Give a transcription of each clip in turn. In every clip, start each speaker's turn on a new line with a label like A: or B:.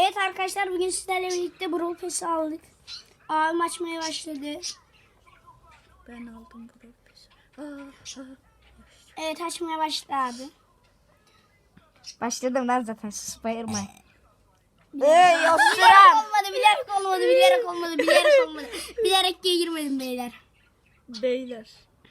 A: Evet arkadaşlar, bugün sizlerle birlikte Brawl Pass'i aldık. Abim açmaya başladı.
B: Ben aldım Brawl Pass'i.
A: Evet, açmaya başladı abi.
C: Başladım lan zaten, sus bayırma.
A: Bilerek olmadı, bilerek olmadı. Bilerek girmedim beyler.
B: Beyler.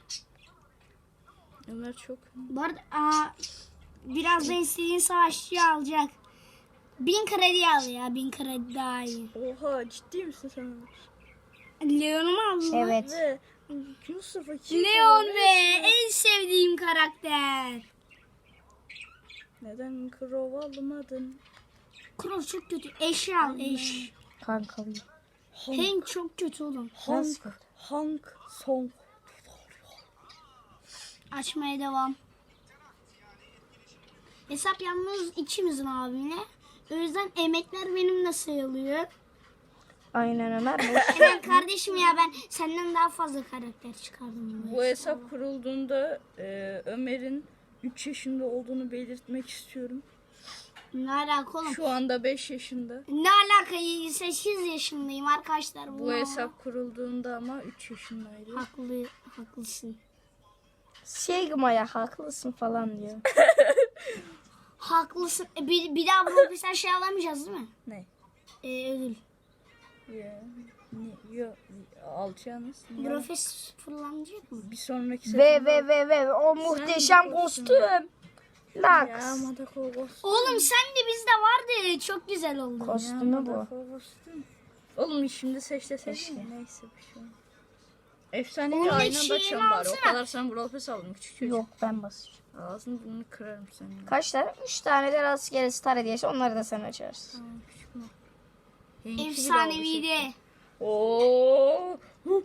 B: Ömer çok.
A: Bu arada birazdan istediğin savaşçıyı alacak. 1000 kredi al ya, 1000 kredi daha iyi.
B: Oha, ciddi misin sen Ömer?
A: Leon'u mu aldın?
C: Evet.
B: Ve Yusuf'a kim
A: Leon
B: olur?
A: be, en sevdiğim karakter.
B: Neden Crow almadın?
A: Crow çok kötü. Eş al, eş.
C: Kankalıyım.
A: Hank çok kötü oğlum.
B: Hank Song.
A: Açmaya devam. Hesap yalnız ikimizin abimle. O yüzden emekler benimle sayılıyor.
C: Aynen Ömer.
A: Hemen kardeşim ya, ben senden daha fazla karakter çıkardım.
B: Bu hesap kurulduğunda Ömer'in 3 yaşında olduğunu belirtmek istiyorum.
A: Ne alaka oğlum?
B: Şu anda 5 yaşında.
A: Ne alaka? 8 yaşındayım arkadaşlar.
B: Bu hesap kurulduğunda ama 3 yaşındaydı.
A: Haklısın.
C: Sigma'ya haklısın falan diyor.
A: Haklısın. Bir daha bu mesela şey alamayacağız değil mi?
B: Ne?
A: Ödül.
B: Ya, alacağınız.
A: Profes fırlanacak mı?
B: Bir sonraki sefer.
C: Ve o muhteşem kostüm.
B: Ya
C: Laks.
B: Madako kostüm.
A: Oğlum sen de bizde vardı. Çok güzel oldu.
C: Kostümü bu.
B: Madako kostüm. Oğlum şimdi seçsene. Neyse bir şey olmaz. Efsanevi
A: Onun
B: aynı
A: eşeğini
B: anda açalım bari. O
A: alsana.
B: kadar sen Brawl Pass aldın küçük çocuk.
C: Yok, ben basacağım.
B: Ağzını burnunu kırarım senin.
C: Kaç tane? 3 tane de rastgele star hediyesi. Onları da sen açarsın.
B: Tamam, küçük mü? Henki bile aldı
A: Efsaneviydi.
B: Oo.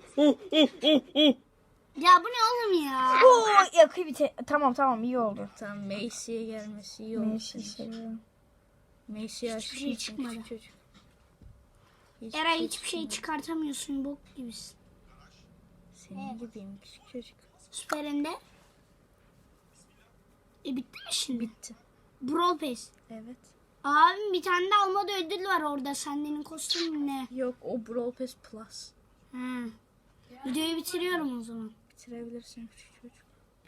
A: Ya bu ne oğlum ya?
C: Oo, yakı Tamam iyi oldu.
B: Tamam, Macy'ye gelmesi iyi oldu.
C: Neyse, seviyorum.
B: Macy'ye
A: Hiçbir şey
B: açtı
A: çıkmadı.
B: küçük çocuk.
A: Eray hiçbir şey çıkartamıyorsun, bok gibisin.
B: Senin gibiyim küçük çocuk.
A: Süperinde. Bitti mi şimdi?
B: Bitti.
A: Brawl Pass.
B: Evet.
A: Abim bir tane de almadı ödül var orada. Senin kostümün ne?
B: Yok, o Brawl Pass Plus.
A: Ha. Videoyu bitiriyorum o zaman.
B: Bitirebilirsin küçük çocuk.